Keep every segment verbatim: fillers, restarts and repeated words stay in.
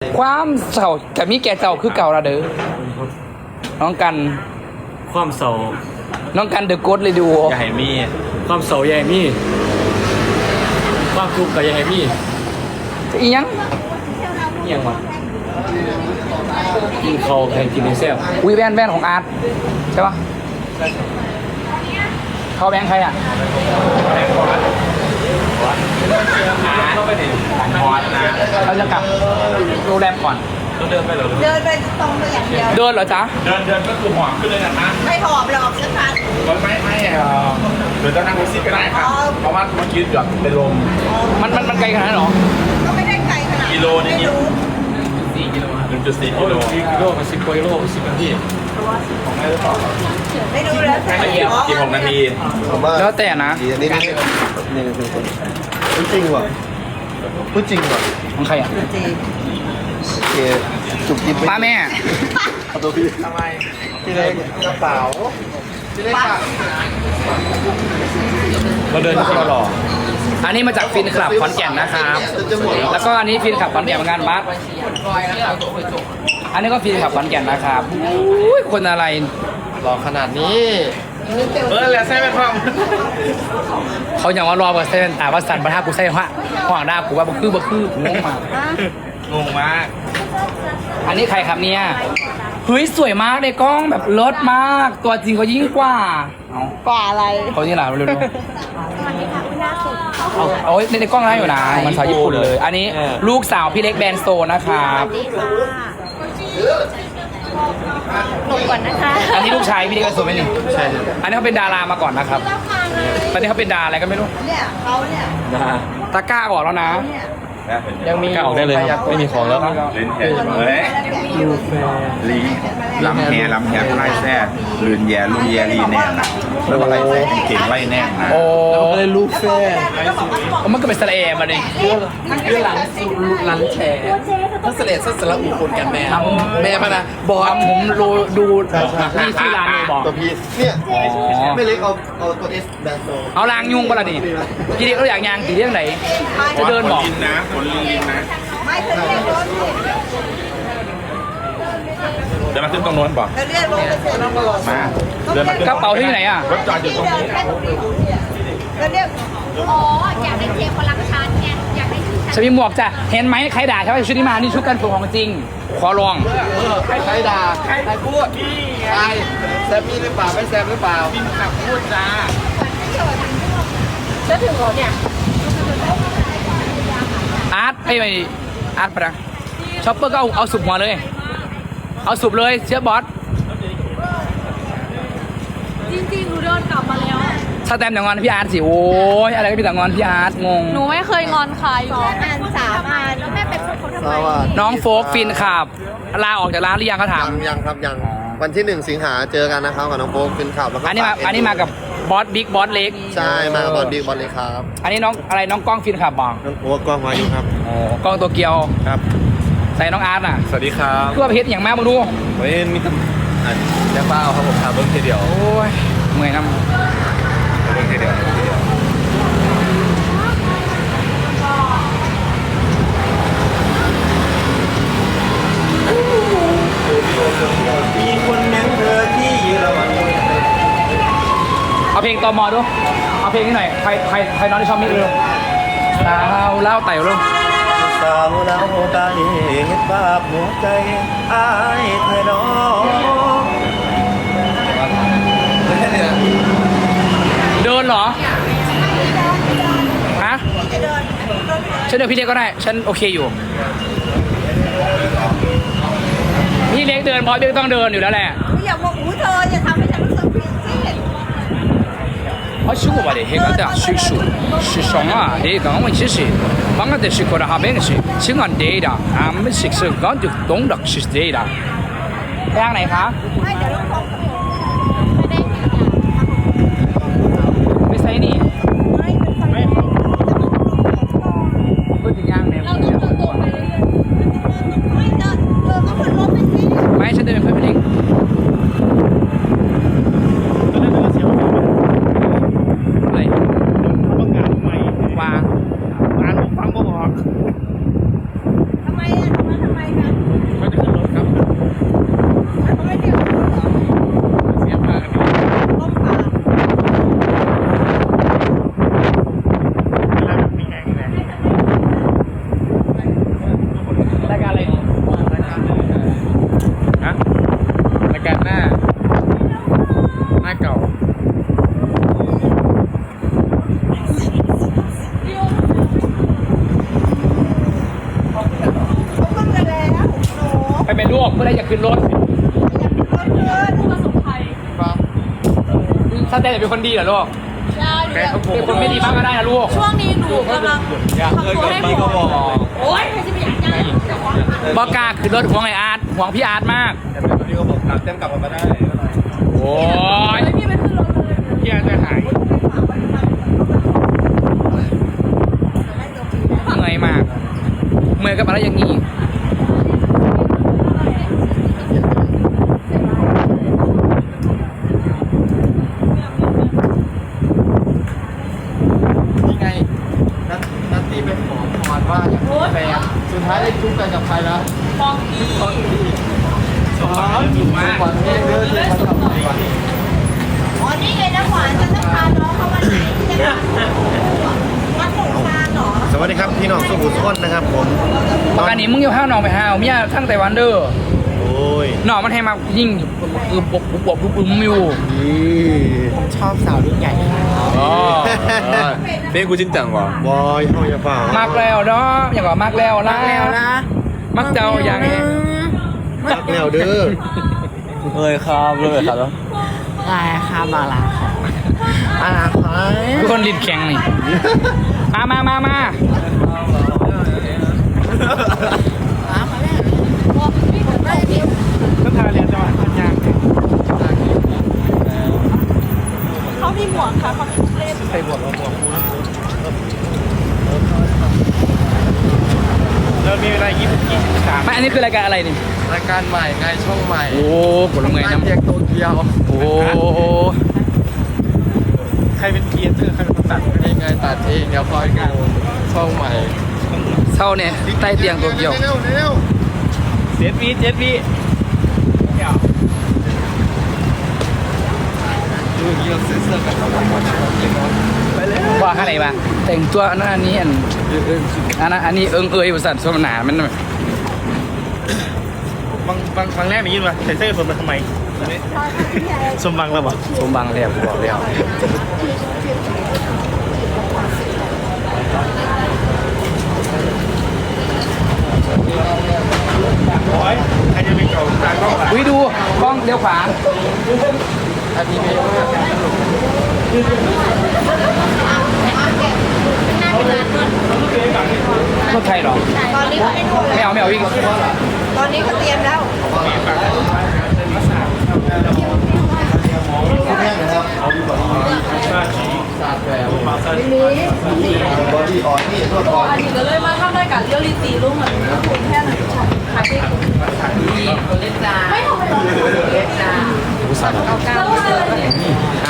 ความเศร้ากับมีแก่เจ้าคือเก่าละเด้อน้องกันความเศร้าน้องกันเดอะโกดเลยดูอย่าให้มีความเศร้าอย่าให้มีความทุกข์ก็อย่าให้มีอีหยังเอียงวะกินเขาแทนกินในแซ่บวีแวนแวนของอาร์ตใช่ปะเขาแบงค์ใครอ่ะต้องไปไหนพอดนะเราจะกลับโรงแรมก่อนต้องเดินไปเหรอเดินไปตรงไปอย่างเดียวเดินเหรอจ๊ะเดินเดินก็คือหอมขึ้นเลยนะไม่หอบหรอกสักพันไม่ไม่หรือจะนั่งแท็กซี่ก็ได้ค่ะเพราะว่าเมื่อกี้เกือบเป็นลมมันมันมันไกลขนาดนั้นเหรอก็ไม่ได้ไกลขนาดกิโลนี่ไม่รู้สี่กิโลหนึ่งจุดสี่กิโลกิโลกับสิบกิโลสิบนาทีไม่รู้แล้วแต่สิบหกนาทีผมว่าแล้วแต่นะดีอันนี้นี่นี่คือพูดจริงว่ะพูดจริงว่ะของใครอ่ะจริงโอเคจุกจิบป้าแม่เอาตัวพี่ทำไมพี่เล็กกระเป๋าพี่เล็กค่ะเราเดินก็หล่ออันนี้มาจากฟินคลับขอนแก่นนะครับจะหมดแล้วแล้วก็อันนี้ฟินคลับขอนแก่นเหมือนกันบัสอันนี้ก็ฟินคลับขอนแก่นนะครับอุ้ยคนอะไรหล่อขนาดนี้เออแล้วใช่ไหมพ่อเขาอย่างว่ารอเบอร์เซนแต่ว่าสันประทากูใส่ว่าห่วงดากูว่าบ่คือบ่คืองงมากงงมากอันนี้ใครครับเนี่ยเฮ้ยสวยมากในกล้องแบบเลิศมาก ตัวจริงเขายิ่งกว่าเอากว่าอะไรเขานี่แหละเร็วๆเอาโอ้ยในกล้องได้อยู่นะมันสาวญี่ปุ่นเลย อันนี้ลูกสาวพี่เล็กแบรนด์โซนะครับหลบก่อนนะคะอันนี้ลูกชายพี่เล็กแบรนด์โซไหมนี่ใช่ครับอันนี้เขาเป็นดารามาก่อนนะครับ ตอนนี้เขาเป็นดาอะไรก็ไม่รู้เนี่ยเขาเนี่ยนะตะกร้าออกแล้วนะ ยังมีกล้าออกได้เลยครับไม่มีของแล้วเล่นแค่เฮ้ยลีลำแฮลำแฮไล่แซ่ลืนแย่ลุนแย่ลีแน่นะแล้วก็ไล่แซ่เก่งไล่แน่นะโอ้เลยลูกแฟร์มันก็เป็นสระแอมมาดิเรื่องหลังหลังแชร์ถ้าเสด็จสัสละอุคนกันแม่แม่มานะบอทำผมดูดูนี่ชื่อร้านเลยบอกตัวพี่เนี่ยไม่เล็กเอาเอาตัวเอสแบนโซเอาลางยุงปะล่ะนี่พี่เล็กเขาอยากยางกี่เรื่องไหน จะเดินบอกลินนะผลลินลินนะไม่เคยเรียกรถเนี่ยเดินมาขึ้นตรงโน้นบอกเราเรียกรถไปเสร็จแล้วก็รอมาเดินมาขึ้นกระเป๋าที่ไหนอ่ะรถจอดอยู่ตรงเดินนี้แค่ตรงนี้เนี่ยเราเรียกอ๋อ อยากได้เจมพลังชาร์จไงอยากได้ชื่อฉันมีหมวกจ้ะเห็นไหมใครด่าใช่ไหมชุดนี้มานี่ชุดกันฝนของจริง ขอลองใครใครด่าใครใครพูดใครแซมมี่หรือเปล่าไม่แซมหรือเปล่าพูดจ้าจะถึงเหรอเนี่ยอาร์ตไอ้ไม่อาร์ตปะนะช็อปเปอร์ก็เอาเอาสุบหัวเลย เอาสุบเลยเชื่อบอสจริงๆ หนูเดินกลับมาแล้วถ้าแต้มอย่างงอนพี่อาร์ตสิโอ้ยอะไรก็มีแต่งอนพี่อาร์ตงงหนูไม่เคยงอนใครสองอันสามอันแล้วแม่เป็นคนเขาทำสไมวัสดีน้องโฟกฟินขับลาออกจากร้านหรือยังเขาถามยังยังครับยังวันที่หนึ่งสิงหาเจอกันนะครับกับน้องโฟกฟินขับแล้วก็อันนี้มาฝกอันนี้มากับบอสบิ๊กบอสเล็กใช่มากับบอลบิ๊กบอลเลยครับอันนี้น้องอะไรน้องกล้องฟินขับบอกน้องโฟกกล้องมาอยู่ครับกล้องตัวเกียวครับใส่น้องอาร์ตน่ะสวัสดีครับเพื่อเพชรอย่างมากมาดูเฮ้ยมีตำอันแค่เป้าครับผมทำเบิ้งทีเดียวโอ้ยเมื่อยน้เบิ้งทีเดียวเบิ้งทีเดียวมีคนยังเธอที่เยอรมันำเอาเพลงตอมอดูเอาเพลงนี้หน่อยใครใครใครน้องที่ชอบมิกเร็วสาวเล่าไต่เร็วสาวเราตาเห็นภาพหัวใจอายเธอน้องเดินเหรอฮะฉันเดินพี่เล็กก็ได้ฉันโอเคอยู่พี่เล็กเดินเพราะพี่เล็กต้องเดินอยู่แล้วแหละอย่าบอกอู้เธออย่าทำให้ฉันรู้สึกผิดสิ啊，是我吧的，那个的是说，是上啊，那个我其实，帮我的是过来哈边是，是俺爹的，俺们是是俺就懂得是爹的。ไปทางไหนคะไม่เดี๋ยวเราขอไปไซนี่ไม่เป็นไฟเพื่อถึงย่างเนี่ยเราต้องเดินตรงไปเรื่อยไม่เดินเธอก็ขึ้นรถไปสิไม่ฉันเดินเป็นเพื่อนพี่เล็กอะไรวางทำไมอ่ะทำไมทำไมรายการอะไรนี่ฮะรายการหน้าหน้าเก่าไปเป็นลูกเมื่อไรจะขึ้นรถถ้าแต่เป็นคนดีเหรอลูกเป็นคนไม่ดีมากก็ได้นะลูกช่วงนี้หนูกำลังอยากเคยกับพี่ก็บอกโอ๊ยใครจะไปอยากได้บอกล้าขึ้นรถห่วงไออาร์ตห่วงพี่อาร์ตมากพี่ก็บอกกลับเต็มกลับมาได้โอ้ยพี่ไปขึ้นรถเลยพี่อาร์ตจะหายเหนื่อยมากเมื่อยกับอะไรอย่างนี้นี่ไงนัทนัทตี้ไปขอพรว่าอยากมีแฟนสุดท้ายได้จุ๊บกันกับใครนะฟองกี้สอนสอนอยู่มากวันนี้เดินเดินมากับใครอ๋อนี่ไงน้ำหวานจะต้องพาน้องเขาวันไหนที่จะวัดหลงทางเหรอสวัสดีครับพี่น้องสุขุมสุขนนะครับผมปกติมึงอย่าห้าวน้องไปห้าวเมียทั้งไต้หวันเด้อโอ้ยน้องมันให้มายิ่งคือบกบกบุบบุ้มอยู่นี่ชอบสาวรุ่นใหญ่อ๋อเบ้กูจริงจังวะบอยเฮาอย่าฝ่ามากแล้วเนาะอย่างว่ามากแล้วนะมักเจ้าอย่างนี้จักแล้วเด้อเลยครับเลยครับแล้วลายครับมาลามาลาครับทุกคนลิ้นแข็งนี่มามามามาก็ทาเรียนจังหวัดพัทยาเขามีหมวกค่ะเขามีเล่มใส่บวกเราบวกกูนะเรามีเวลายี่สิบยี่สิบสามไม่อันนี้คือรายการอะไรนี่รายการใหม่ไงช่องใหม่โอ้กดลงไงน้ำน้ำเรียกโตเกียวโอ้ใครเป็นเกียร์เตอร์ใครเป็นคนตัดเองไงตัดเองเดี๋ยวคอยดูช่องใหม่เท่าเนี่ยใต้เตียงตัวเกี่ยวเร็วเร็วเจ็ดวิเจ็ดวิดูเกี่ยวเสื้อเสื้อกันไปเลยว่าอะไรบ้างแต่งตัวอันนั้นอันนี้อันอันนั้นอันนี้เอิงเอยบริษัทสมนามันบางบางครั้งแรกมียินว่าใส่เสื้อสมมาทำไมสมบังแล้วบ่สมบังแล้วกูบอกแล้วโอ้ยใครจะเป็นเก่าตากล้องอ่ะวิดูกล้องเลี้ยวขวาอันนี้ไม่ว่ารถไทยเหรอตอนนี้เขาไม่โทรไม่เอาไม่เอาวิ่งตอนนี้เขาเตรียมแล้วคุณแม่นะครับเอาดีกว่าบอดี้ออนนี่โทษออนอันนี้ก็เลยมาทำรายการเรียลลิตี้รูปเหมือนคนแค่ไหนขายไปไม่ทำไปหรอกเล็กจ้าเก้าเก้านะ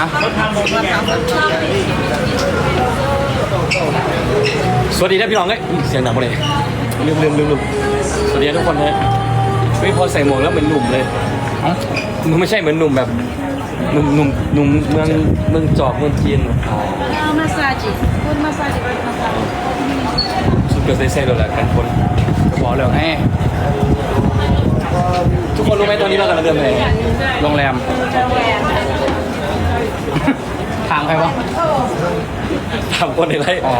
สวัสดีนะพี่น้องเอ้ยเสียงดังมาเลยลืมลืมลืมลืมสวัสดีทุกคนนะไม่พอใส่หมวกแล้วเหมือนหนุ่มเลยมึงไม่ใช่เหมือนหนุ่มแบบหนุ่มหนุ่มหนุ่มเมืองเมืองจอกเมืองจีนมาสซาจิคุณมาสซาจิไปมาสซาจิสุดเกิดเซ่ๆเลยแหละกันคนบอกแล้วไงทุกคนรู้ไหมตอนนี้เรากำลังเดินไปไหนโรงแรมทางใครวะถามคนในไร่อ๋อ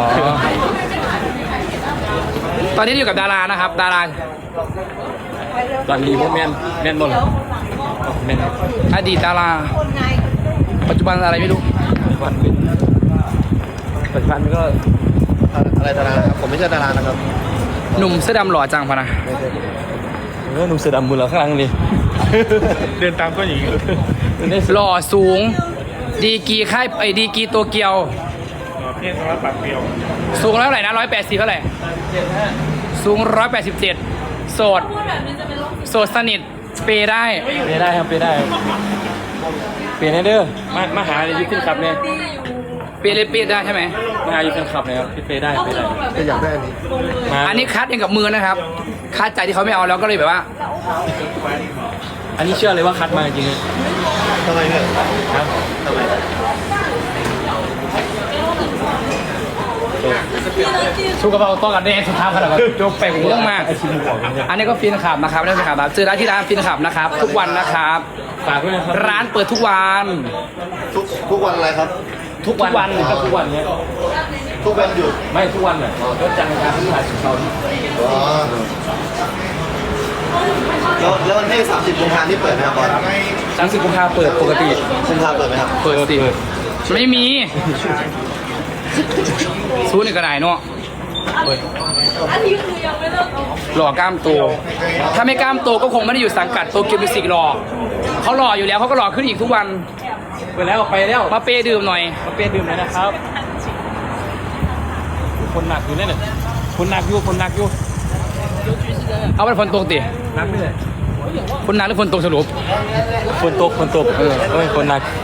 ตอนนี้อยู่กับดารานะครับ ดาราตอนนี้พวกแมนแมนหมดเลยแมนอดีตดาราคนไงปัจจุบันอะไรไม่รู้วันเป็นปัจจุบันก็อะไรดารานะครับผมไม่ใช่ดารานะครับหนุ่มเสื้อดำหล่อจังพะนะเออหนุ่มเสือดำมือเราข้างหลังนี่ เดินตามก็อย่างนี้หล่อสูง ดีกีค่ายไอ้ดีกีโตเกียวเพี้ยนสำหรับปากเปรียวสูงแล้วเท่าไหร่นะร้อยแปดสิบเท่าไหร่สูงร้อยแปดสิบเจ็ดโสดโสดสนิทเปย์ได้เปย์ได้ครับเปย์ได้เปย์ให้เด้อมามาหาเลยยึดขึ้นขับเนี่ยเปย์เลยเปย์ได้ใช่ไหมมาหายึดขึ้นขับเลยครับเปย์ได้เปย์ได้ก็อยากได้อันนี้มาอันนี้คัดเองกับมือนะครับ คัดใจที่เขาไม่เอาแล้วก็เลยแบบว่าอันนี้เชื่อเลยว่าคัดมาจริงๆทำไมเนี่ยครับทำไมชูกระเป๋าต้องกันแน่สุดท้ายขนาดนั้นจบไปหัวมากอันนี้ก็ฟินขับนะครับนี่ฟินขับครับซื้อได้ที่ร้านฟินขับนะครับทุกวันนะครับฝากด้วยนะครับร้านเปิดทุกวันทุกทุกวันอะไรครับทุกวันก็ทุกวันเนี้ยทุกวันหยุดไม่ทุกวันเลยก็จันทร์อังคารพฤหัสศุกร์เสาร์อ๋อแล้วแล้ววันที่สามสิบกุมภาพันธ์ที่เปิดไหมครับบอลสามสิบกุมภาเปิดปกติกุมภาพันธ์เปิดไหมครับเปิดสิไม่มีซูนี่ก็ได้เนาะอันนี้คือยังไม่เลิกเอาหล่อกล้ามโตถ้าไม่กล้ามโตก็คงไม่ได้อยู่สังกัดโตเกียวมิวสิกหรอกเขาหล่ออยู่แล้วเขาก็หล่อขึ้นอีกทุกวันไปแล้วไปแล้วมาเปย์ดื่มหน่อยมาเปลี่ยนดื่มเลยนะครับ คนหนักอยู่เนี่ยเนี่ยคนหนักอยู่คนหนักอยู่เอาเป็นฝนตกติหนักไม่เลยคนหนักหรือฝนตกสรุปคนตกคนตกเออเอ้ยคนหนัก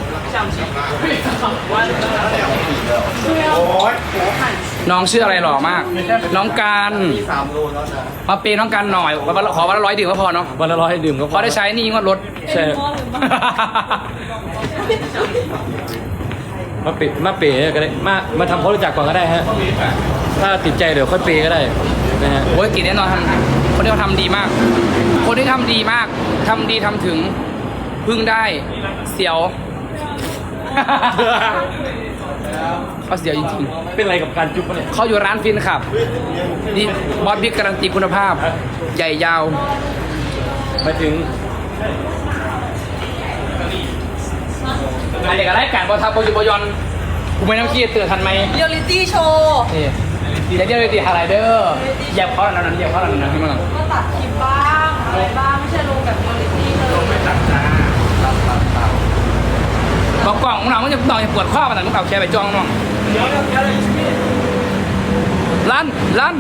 น้องชื่ออะไรหล่อมาก น้องการมาเปย์น้องการหน่อยวันละขอวันละร้อยดื่มก็พอเนาะวันละร้อยดื่มก็พอได้ใช้หนี่งวดรถใช่มาเปมาเปก็ได้มามาทำความรู้จักก่อนก็ได้ฮะถ้าติดใจเดี๋ยวค่อยเปก็ได้นะฮะโอ้ยกินแน่นอนทำคนที่เขาทำดีมาก คนที่ทำดีมากทำดีทำถึงพึ่งได้เสียว เขาเสียวจริงเป็นอะไรกับการจุ๊บปะเนี่ยๆเขาอยู่ร้านฟินครับนี่บอสบิ๊กการันตีคุณภาพ ใหญ่ยาวไปถึงอะไรกับรายการบอลทับบอลยูบอลยอนกูไม่ต้องคิดเตือนทันไหมเรียลลิตี้โชว์เอ๊ะเดี๋ยวเดี๋ยวตีอะไรเด้อเหยียบเขาหน่อยนะเหยียบเขาหน่อยนะพี่มั่งก็ตัดคลิปบ้างอะไรบ้างไม่ใช่ลงแบบเรียลลิตี้เลยกล่องกล่องของเรามันจะต่อจะปวดข้อมันแต่ลูกเอาแค่ไปจ้องน้องลั่นลั่น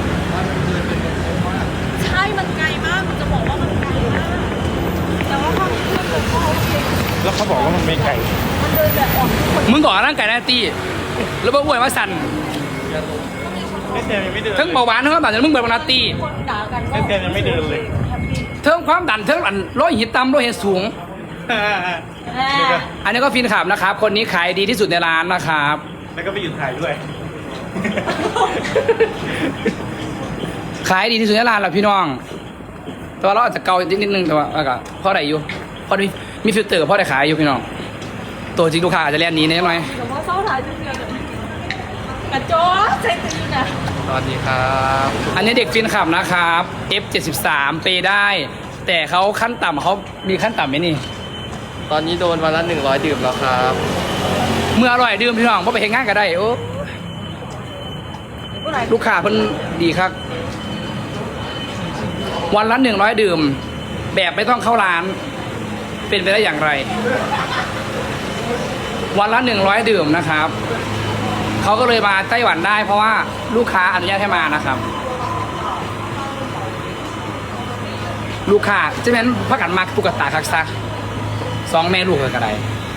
ใช่มันไกลมากจะบอกว่ามันไกลมากแต่ว่าความเชื่อผมก็โอเคแล้วเขาบอกว่ามันไม่ไก่มันเดินแบบอ่อนทุกคนมึงก่อร่างกายหน้าตีแล้วบอกอวยว่าสั่นไม่เต็มยังไม่เดินเทิงเบาหวานเทิงความดันมึงเบิดนาตีคนด่ากันก็ไม่เต็มยังไม่เดินเลยเทิงความดันเทิงอันร้อยหิตต่ำร้อยหิตสูงแม่อันนี้ก็ฟินขับนะครับ คนนี้ขายดีที่สุดในร้านนะครับแล้วก็ไปหยุดถ่ายด้วยขายดีที่สุดในร้านแหละพี่น้อง แต่ว่าเราอาจจะเกานิดนึงแต่ว่าเอาก็เพราะอะไรอยู่เพราะมีมีฟิลเตอร์เพราะได้ขายอยู่พี่น้อง ตัวจริงลูกค้าอาจจะเรียนหนี้นิดหน่อยแต่ว่าเศร้าถ่ายจริงๆเลยกระโจนใจตื่นนะสวัสดีครับ อันนี้เด็กฟินขับนะครับ เอฟ เจ็ดสิบสาม เปย์ได้ แต่เขาขั้นต่ำเขามีขั้นต่ำไหมนี่ตอนนี้โดนวันละหนึ่งร้อยดื่มแล้วครับเมื่ออร่อยดื่มพี่น้องเพราะไปเห็นงานก็ได้โอ้ลูกค้าเพิ่นดีครับ วันละหนึ่งร้อยดื่ม แบบไม่ต้องเข้าร้าน เป็นไปได้อย่างไร วันละหนึ่งร้อยดื่มนะครับ เขาก็เลยมาไต้หวันได้ เพราะว่าลูกค้าอนุญาตให้มานะครับ ลูกค้าจะเป็นพักกันมากตุ๊กตาคักซักสองแม่ลูกกันได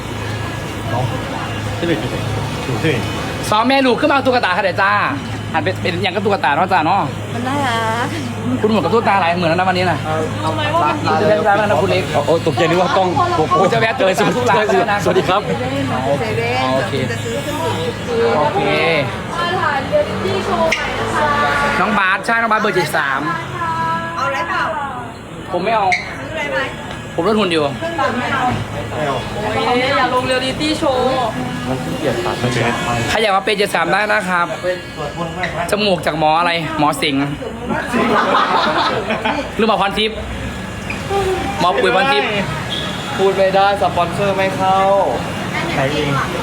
ที่เป็นถูกที่สองแม่ลูกขึ้นมาเอาตุ๊กตาค่ะเดี๋ยวจ้าหันเป็นเป็นอย่างกับตุ๊กตาเนาะจ้าเนาะมันน่ารักคุณเหมือนกับตุ๊กตาหลายเหมือนแล้วนะวันนี้นะทำไมว่ามันจะเป็นร้านแล้วนะคุณเล็กโอ้ตกใจนึกว่ากล้องโอ้โหจะแวะตุ๊กตาทุกร้านแล้วนะสวัสดีครับเซเว่นโอเคโอเคมาถ่ายเรียลลิตี้โชว์ใหม่นะคะน้องบาสใช่น้องบาสเบอร์เจ็ดสามเอาอะไรเปล่าผมไม่เอาซื้ออะไรไหมผมลดหุ่นอยู่เครื่องดื่มไม่เอาโอ้ยอย่าลงเรียลลิตี้โชว์มันเปลี่ยนตัดมันเป็นใครอยากมาเป็นเจ็ดสามได้นะครับ จมูกจากหมออะไร หมอสิงห์หรือหมอพรทิพย์หมอปุ๋ยพรทิพย์พูดไม่ได้สปอนเซอร์ไม่เข้าใช้เอง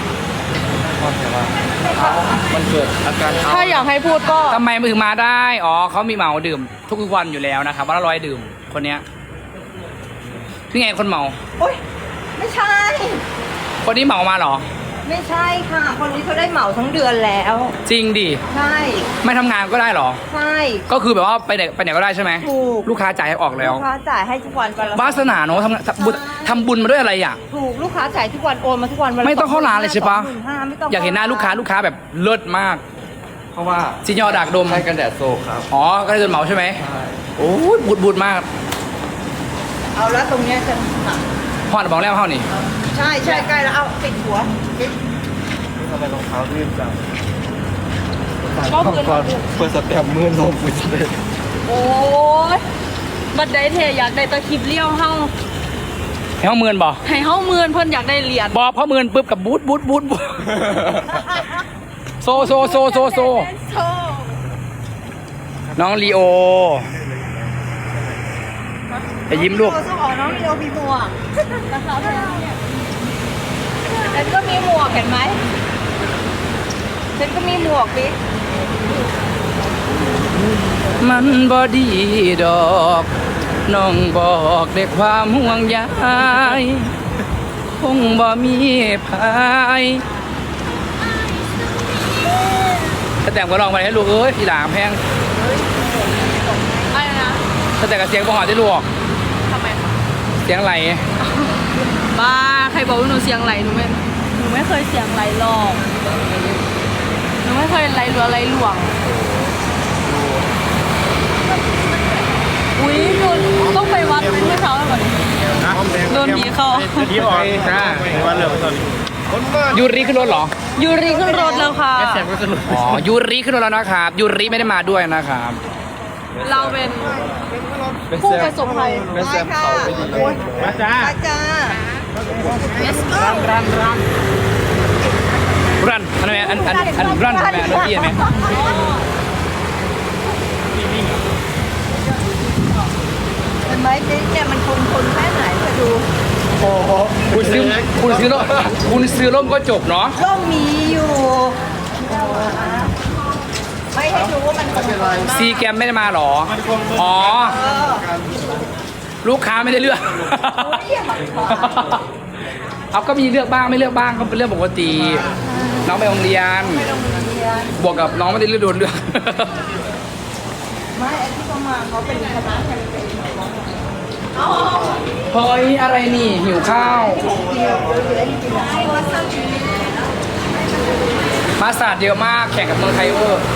มันเกิดอาการถ้าอยากให้พูดก็ทำไมถึงมาได้ อ๋อเขามีเหมาดื่ม ทุกวันอยู่แล้วนะครับวันละร้อยดื่ม คนเนี้ยนี่ไงคนเหมาโอ๊ยไม่ใช่คนนี้เหมามาเหรอไม่ใช่ค่ะ คนนี้เขาได้เหมาทั้งเดือนแล้วจริงดิใช่ไม่ทำงานก็ได้เหรอใช่ก็คือแบบว่าไปไหนไปไหนก็ได้ใช่ไหมถูกลูกค้าจ่ายให้ออกแล้วลูกค้าจ่ายให้ทุกวันวันละวาสนาเนอะทำงานทำบุญทำบุญมาด้วยอะไรอ่ะถูกลูกค้าจ่ายทุกวันโอนมาทุกวันวันละไม่ต้องเข้าร้านเลยใช่ปะสองหมื่นห้าไม่ต้องอยากเห็นหน้าลูกค้าลูกค้าแบบเลิศมากเพราะว่าซิญญอดักดมใช้กันแดดโซครับอ๋อ ก็ได้จนเหมาใช่ไหมโอ้ยบูดบูดมากเอาแล้วตรงเนี้ยจะพ่อบอกแล้วเท่านี่ใช่ใช่ใกล้แล้วเอาติดหัวทำไมรองเท้าลื่นจังคก็พื้นเปิดสเต็ปมือลงมือสเต็ปโอ้ยบัดได้เทอยากได้ตะคลิปเลี้ยวเฮาให้เขาเมือนบ่ให้เฮาเมือนเพิ่นอยากได้เหรียญบอพอเมือนปุ๊บกับบูทบูทบูทบูทโซโซโซโซโซน้องลีโอไปยิ้มลูกต้องออกน้องลีโอมีหมวกนะคะฉันก็มีหมวกเห็นไหมฉันก็มีหมวกบิ๊กมันบอดีดอกน้องบอกด้วยความห่วงใยคงบ่มีภายถ้าแต่งก็ลองไปให้ลูกเอ้ยพี่หลามแพงอะไรนะถ้าแต่งกับเสียงบ่หอดได้ลูกทำไมคะเสียงไหลบ้าใครบอกว่าหนูเสียงไหลหนูไม่หนูไม่เคยเสียงไหลหรอกหนูไม่เคยไหลหรืออะไรหลวงอุ้ยโดนต้องไปวัดเป็นเมื่อเช้าก่อนโดนผีเข้าที่ออกจ้าวันเหลือตอนนี้ยูริขึ้นรถเหรอยูรีขึ้นรถแล้วค่ะอ๋อยูริขึ้นรถแล้วนะครับยูริไม่ได้มาด้วยนะครับเราเป็นผู้ประสบภัยเป็นแซมเขาไปดีมาจ้าอาจารย์รันรันรันอันไหนอันอันอันรันไหมอันนี้ไหมเห็นไหมเนี่ยมันทนทนแค่ไหนมาดูโอ้โหคุณซื้อคุณซื้อร่มคุณซื้อร่มก็จบเนาะร่มมีอยู่ไม่ให้รู้ว่ามันทนทนมากซีแกมไม่ได้มาหรออ๋อเออลูกค้าไม่ได้เลือก เอาก็มีเลือกบ้างไม่เลือกบ้างก็เป็นเรื่องปกติ น้องไปโรงเรียน บวกกับน้องไม่ได้เลือกโดนเลือกไม่ไอ้ที่เขามาเขาเป็นคณะแคมเปญเฮ้ยอะไรนี่หิวข้าว มาสาดเยอะมากแข่งกับเมืองไทยเวอร์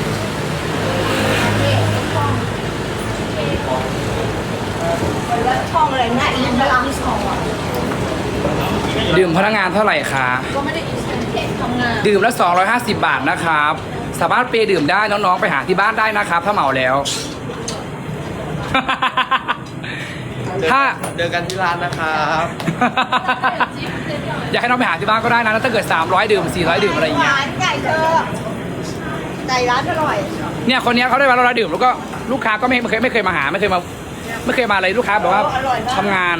ช่องอะไรนะอินบลังช่องอ่ะดื่มพนักงานเท่าไหร่คะก็ไม่ได้อินเทนทำงานดื่มละสองร้อยห้าสิบบาทนะครับ สามารถเปย์ดื่มได้น้องๆไปหาที่บ้านได้นะครับ ถ้าเหมาแล้ว ถ้าเจอกันที่ร้านนะครับอยากให้น้องไปหาที่บ้านก็ได้นะแล้วถ้าเกิดสามร้อยดื่มสี่ร้อยดื่มอะไรอย่างเงี้ยร้านไก่เธอไก่ร้านอร่อยเนี่ยคนเนี้ยเขาได้มาร้อยดื่มแล้วก็ลูกค้าก็ไม่ไม่เคยไม่เคยมาหาไม่เคยมาไม่เคยมาอะไรลูกค้าแบบว่าทำงาน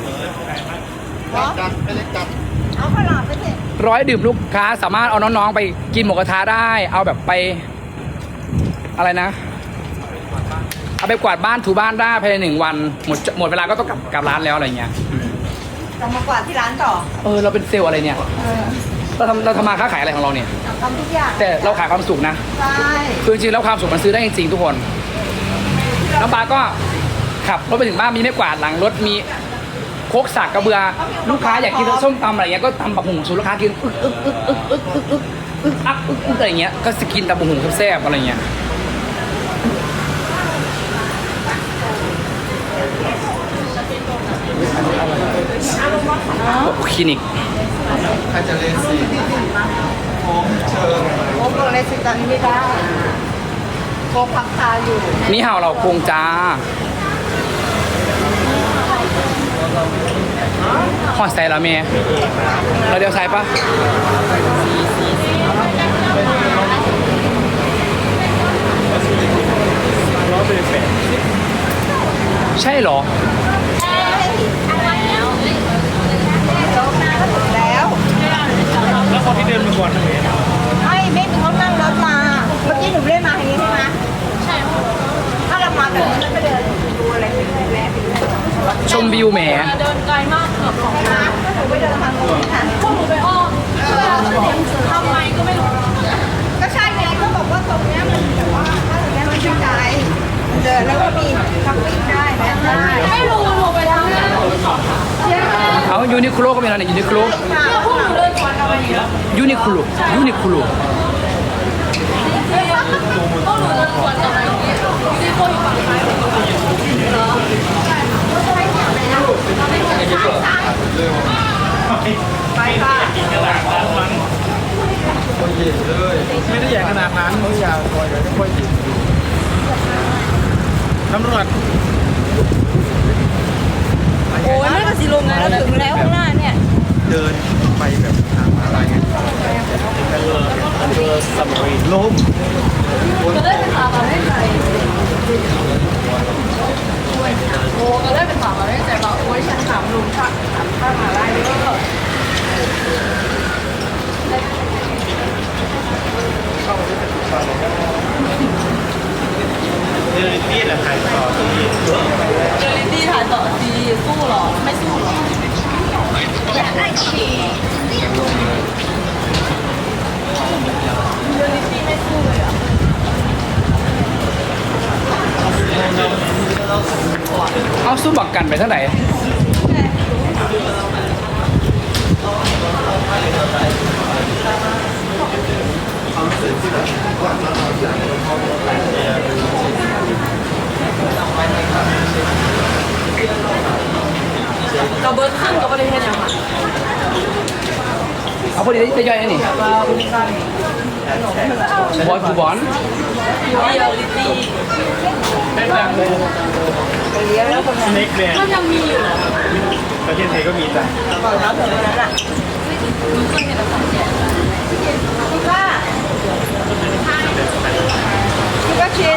เอาขนาดไปเถอะร้อยดื่มลูกค้าสามารถเอาน้องๆไปกินหมูกระทะได้ เอาแบบไปอะไรนะ เอาไปกวาดบ้านถูบ้านได้ภายในหนึ่งวันหมดหมดเวลาก็ต้องกลับกลับร้านแล้วอะไรเงี้ยจะมากวาดที่ร้านต่อเออเราเป็นเซลล์อะไรเนี่ยเราทำเราทำมาค้าขายอะไรของเราเนี่ยทำทุกอย่างแต่เราขายความสุขนะใช่คือจริงๆแล้วความสุขมันซื้อได้จริงๆทุกคนน้องปาก็ขับรถไปถึงบ้านมีไม้กวาดหลังรถมีโคกสักกระเบือลูกค้าอยากกินส้มตำอะไรเงี้ยก็ตำบักหุ่งสูตรลูกค้ากินอึกอึกอึกอึกอึกอึกอึกอึกอักอึกอึกอะไรเงี้ยก็สกินตำบักหุ่งแซ่บๆอะไรเงี้ยคลินิกใครจะเล่นสิผมเชิญโอ้โหเลยสิตอนนี้ไม่ได้โกพักตาอยู่นี่เห่าเราโกงจ้าหอดใส่ละเมย์เราเดียวใส่ปะใช่เหรอแล้วแล้วคนที่เดินมาก่อนนะเมย์ไม่ไม่เขานั่งรถมา เมื่อกี้หนูเล่นมาอย่างนี้ใช่ไหมใช่ถ้าเรามาแบบนี้ก็เดินดูอะไรไปเรื่อยๆไปเรื่อยชมวิวแหมเดินไกลมากเกือบสองๆใช่ไหมก็หนูไปเดินทางโน้นค่ะพวกหนูไปอ้อมทำไมก็ไม่รู้ก็ใช่ไงก็บอกว่าตรงเนี้ยมันแบบว่าถ้าตรงเนี้ยมันชื่นใจเดินแล้วก็มีทักปิ้งได้แวะได้ไม่รู้หนูไปทางนั้นเอายูนิโคลก็มีอะไรเนี่ยยูนิโคลพวกหนูเดินสวนกันมาอยู่แล้วยูนิโคลยูนิโคลพวกหนูเดินสวนกันมาอยู่ที่โคอยู่ฝั่งซ้ายไปค่ะไม่ได้ใหญ่ขนาดนั้นเขาอยากล้มก็ได้เป็นถามมาได้ใจโอ้ก็ได้เป็นถามมาได้ใจว่าโอ้ยฉันถามลุงค่ะถามข้ามาได้ด้วยก็เรื่องนี้แหละใครต่อที่เจอลิตี้ถ่ายต่อดีสู้หรอไม่สู้หรออยากได้ฉี่เจอลิตี้ไม่สู้เลยอ่ะเอาสู้บักกันไปเท่าไหร่เราเบิร์ดขึ้นก็ไม่ได้เห็นอย่างไรเอาพอดีได้ย่อยนี่บอลฟูบอลเดียวลิตี้เน็กเนี่ยก็ยังมีอยู่ประเทศไทยก็มีจ้ะก่อนแล้วถึงวันนั้นอ่ะมันเคยเห็นแต่ของแจกพี่ว่าพี่ว่าชิน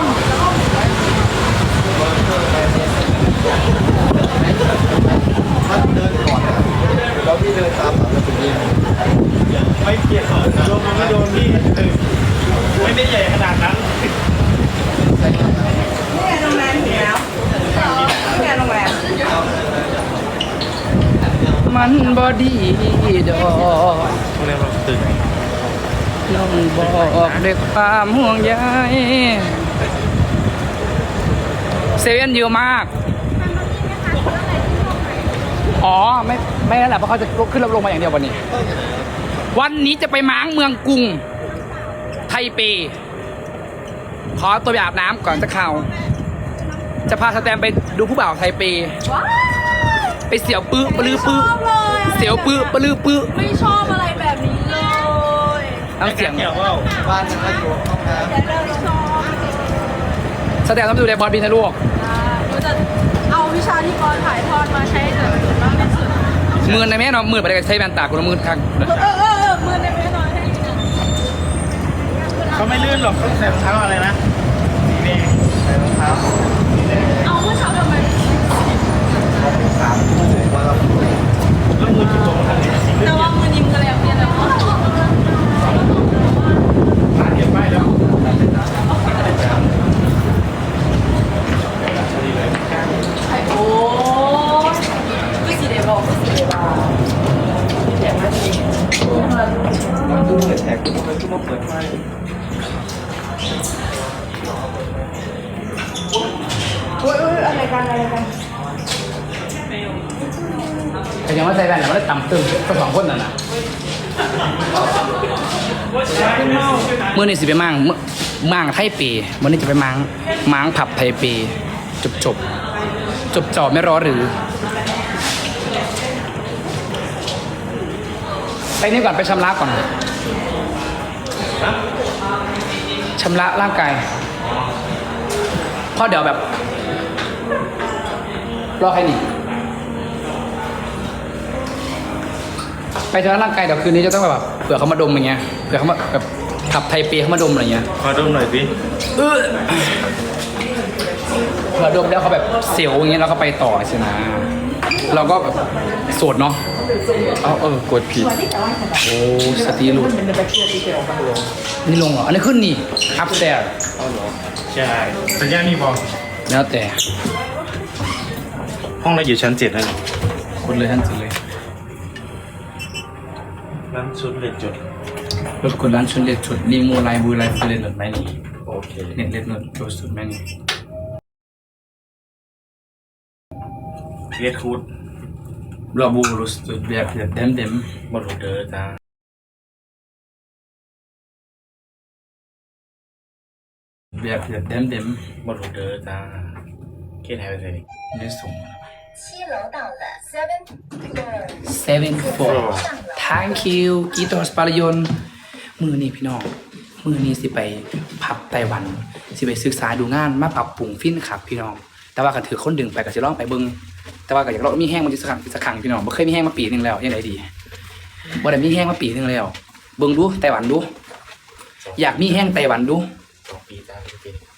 ถ้าเดินก่อนนะแล้วพี่เดินตามหลังจะเป็นยังไงไม่เกี่ยวโดนมันไม่โดนพี่ไม่ได้ใหญ่ขนาดนั้นนี่ไงโรงแรมถึงแล้วนี่ไงโรงแรมมันบอดีดอกโรงแรมเราตื่นน้องบอกด้วยความห่วงใยเซเว่นเยอะมาก อ๋อ ไม่ไม่นั่นแหละเพราะเขาจะขึ้นลงมาอย่างเดียววันนี้ วันนี้จะไปม้างเมืองกรุง ไทเป ขอตัวไปอาบน้ำก่อนจะเข้า จะพาสแตมไปดูผู้บ่าวไทเปว้าไปเสียวปื้อปลือปื้อชอบเลยเสียวปื้อปลือปื้อไม่ชอบอะไรแบบนี้เลยน้ำเสียงเกี่ยวว่าบ้านมันก็อยู่ห้องน้ำแต่เริ่มชอบสแตมต้องไปดูแลบอสบินนะลูกหนูจะเอาวิชาที่กรถ่ายทอดมาใช้ให้เกิดประโยชน์มากที่สุดหมื่นในแม่เนาะหมื่นไปได้ใช้แว่นตาคนละหมื่นครั้งเออเออเออมือในไม่น้อยให้ดีนะเขาไม่ลื่นหรอกต้องใส่รองเท้าอะไรนะสีแดงใส่รองเท้าเอาเมื่อเช้าทำไมสามวันละแล้วมือจุดตรงทางไหนสีแต่ว่ามือนิ่มกันแล้วเนี่ยแต่ว่าผ่านเก็บไปแล้วโอ้ไม่สีเดบอกไม่สีเดบอกมันดูเปิดแท็กมันก็มาเปิดไฟโอ้ยอะไรกันอะไรกันแต่ยังว่าใช้แว่นแต่ว่าได้ต่ำตึงก็สองคนน่ะนะเมื่อนี้สิไปมั่งเมื่อมั่งไทเปเมื่อนี้จะไปมั่งมั่งผับไทเปจบจบจบจอบไม่รอหรือ ไปนี่ก่อนไปชำระก่อนชำระร่างกายเพราะเดี๋ยวแบบ รอใครหนีไปชำระร่างกายเดี๋ยวคืนนี้จะต้องแบบเผื่อเขามาดมอย่างเงี้ยเผื่อเขามาแบบขับไทเปเขามาดมอะไรเงี้ยขอดมหน่อยสิเออเผื่อดมแล้วเขาแบบเสียวอย่างเงี้ยแล้วก็ไปต่อใช่ไหมเราก็แบบโสดเนาะเอาเออกดผิดโอ้สตีหลุดนี่ลงเหรออันนี้ขึ้นนี่อัพแตร์ใช่สัญญาณมีบอกแล้วแต่ห้องเราอยู่ชั้นเจ็ดแล้วคนเลยท่านสุดเลยร้านชุดเลยจุดรถคนร้านชุดเล็ดชุดรีมูไลบูไลฟูเลนหนดไหมนี่โอเคเน็ตเล็ดหนดโจสุดไหมนี่เรียกคูดเราบูรุสสุดแบบแบบเต็มเต็มบอลลูเดอร์จ้าแบบแบบเต็มเต็มบอลลูเดอร์จ้าเคสไทยไปเลยไม่ส่ง七楼到了 seven floor seven four thank you กีตอร์สปารยนมือนี่พี่น้องมือนี้สิไปพับไต้หวัน สิไปศึกษาดูงานมาปรับปรุงฟินครับพี่น้อง แต่ว่าก็ถือคนดึงไปก็สิลองไปเบิ่งแต่ว่าก็อยากลองมีแห้งมันจะสักครั้งสักครั้งพี่น้องบ่เคยมีแห้งมาปีหนึงแล้วยังไงดีบ่ได้มีแห้งมาปีหนึงแล้ว เบิ่งดูไต้หวันดูอยากมีแห้งไต้หวันดูสองปีจ้า